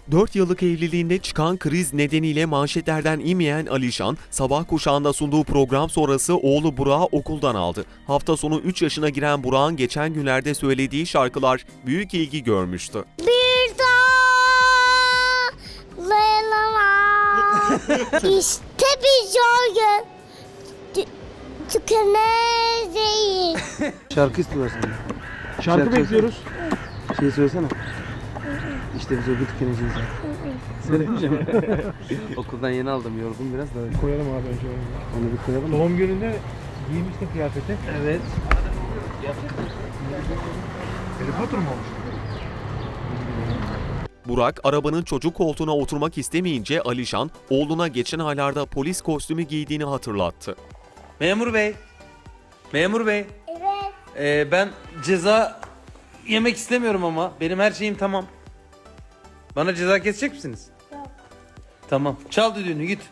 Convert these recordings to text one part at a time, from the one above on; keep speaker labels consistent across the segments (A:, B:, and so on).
A: 4 yıllık evliliğinde çıkan kriz nedeniyle manşetlerden inmeyen Alişan, sabah kuşağında sunduğu program sonrası oğlu Burak'ı okuldan aldı. Hafta sonu 3 yaşına giren Burak'ın geçen günlerde söylediği şarkılar büyük ilgi görmüştü.
B: Bir daha Leyla'ma İşte bir gün tükeneceğiz.
C: Şarkı istiyorlar senden.
D: Şarkı bekliyoruz.
C: Şey söylesene. İşte biz öbür tükeneceğiz. Söylemeyeceğim. Okuldan yeni aldım, yorgun biraz da.
D: Koyalım abi önce onu.
C: Onu bir koyalım.
D: Doğum gününde giymiştin kıyafeti.
C: Evet.
D: Harry Potter mı olmuş?
A: Burak, arabanın çocuk koltuğuna oturmak istemeyince Alişan, oğluna geçen aylarda polis kostümü giydiğini hatırlattı.
E: Memur bey. Memur bey.
B: Evet.
E: Ben ceza yemek istemiyorum ama. Benim her şeyim tamam. Bana ceza kesecek misiniz?
B: Yok.
E: Tamam. Çal düdüğünü git.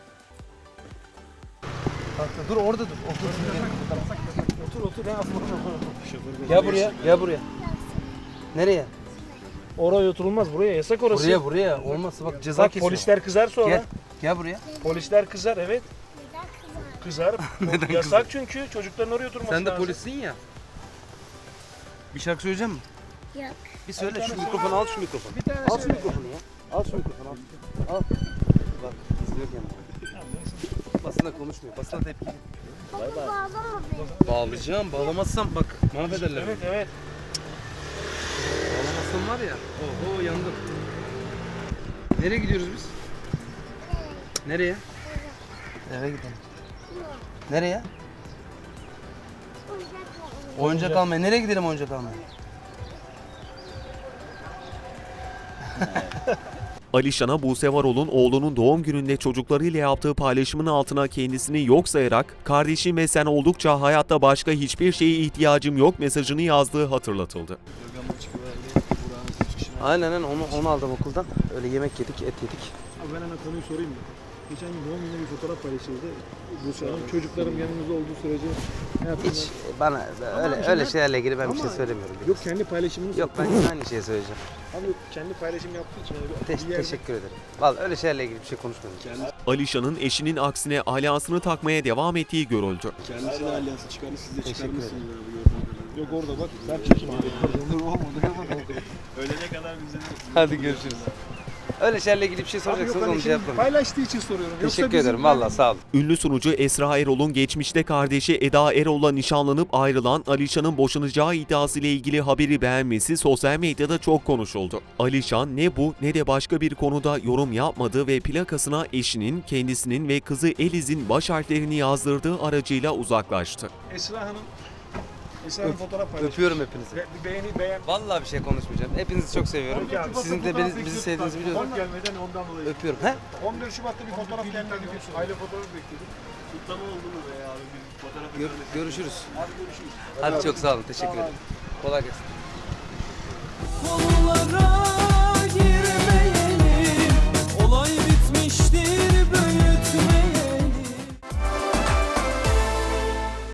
C: Dur orada dur.
D: Otur.
C: Gel buraya, gel buraya. Nereye?
D: Oraya oturulmaz. Buraya yasak orası.
C: Buraya. Olmazsa bak ceza
D: Bak
C: kesiyor.
D: polisler kızar sonra.
C: Gel. Gel buraya.
D: Polisler kızar evet. Kızar. Yasak çünkü çocukların oraya oturması
C: Sen de
D: lazım.
C: polissin ya. Bir şarkı söyleyecek misin?
B: Yok.
C: Bir söyle şu mikrofonu al şu mikrofonu. Al şu mikrofonu ya. Al şu mikrofonu al. Al. Bak izliyor kendini. Basına konuşmuyor. Basına tepki.
B: Baba bağlama beni.
C: Bağlayacağım. Bağlamazsam bak mahvederler.
D: Evet.
C: Bağlamazsam var ya. Oho yandım. Nereye gidiyoruz biz? Nereye? Eve gidelim. Nereye? Oyuncak almaya. Nereye gidelim oyuncak almaya?
A: Alişan'a Buse Varol'un oğlunun doğum gününde çocuklarıyla yaptığı paylaşımın altına kendisini yok sayarak, "Kardeşim ve sen oldukça hayatta başka hiçbir şeye ihtiyacım yok" mesajını yazdığı hatırlatıldı.
C: Aynen onu aldım okuldan. Öyle yemek yedik, et yedik.
D: Abi ben hemen konuyu sorayım mı? Geçen gün doğum gününde bir fotoğraf paylaşıldı. Bu Hanım çocuklarım yanımızda olduğu sürece ne yapayım?
C: Hiç bana öyle şeylerle ilgili ben bir şey söylemiyorum.
D: Yok kendi paylaşımını
C: Yok ben aynı şeyi söyleyeceğim.
D: Abi kendi paylaşım yaptığı için yani bir yerde-
C: Teşekkür ederim. Vallahi öyle şeylerle ilgili bir şey konuşmadım.
A: Alişan'ın eşinin aksine alyasını takmaya devam ettiği görüldü.
F: Kendisi de alyansı çıkarmış, siz de
C: Teşekkür
F: çıkarmışsınız
C: ederim.
F: abi gördüğüm kadarıyla.
D: Yok orada bak ben çekeyim abi.
F: Ölene kadar bize de
C: Hadi görüşürüz. Öyle şeylerle ilgili bir şey
D: Abi yok
C: soracaksınız
D: hani
C: onu
D: şimdi
C: cevaplayın.
D: paylaştığı için soruyorum. Yoksa
C: Teşekkür
D: bizim
C: ederim vallahi sağ olun.
A: Ünlü sunucu Esra Erol'un geçmişte kardeşi Eda Erol'la nişanlanıp ayrılan Alişan'ın boşanacağı iddiasıyla ilgili haberi beğenmesi sosyal medyada çok konuşuldu. Alişan ne bu ne de başka bir konuda yorum yapmadı ve plakasına eşinin, kendisinin ve kızı Eliz'in baş harflerini yazdırdığı aracıyla uzaklaştı.
D: Esra Hanım fotoğraf paylaşmış.
C: Öpüyorum hepinizi.
D: Bir beğen.
C: Vallahi bir şey konuşmayacağım. Hepinizi çok seviyorum.
D: Peki abi,
C: Sizin de bizi sevdiğinizi biliyorum.
D: Fotoğraf gelmeden ondan dolayı.
C: Öpüyorum. He?
D: 14 Şubat'ta bir fotoğraf gelmedi. Aile fotoğrafı bekledik.
F: kutlama oldu mu be abi? Bir fotoğraf
C: Görüşürüz.
D: Hadi görüşürüz.
C: Hadi çok sağ olun. Teşekkür ederim. Kolay gelsin.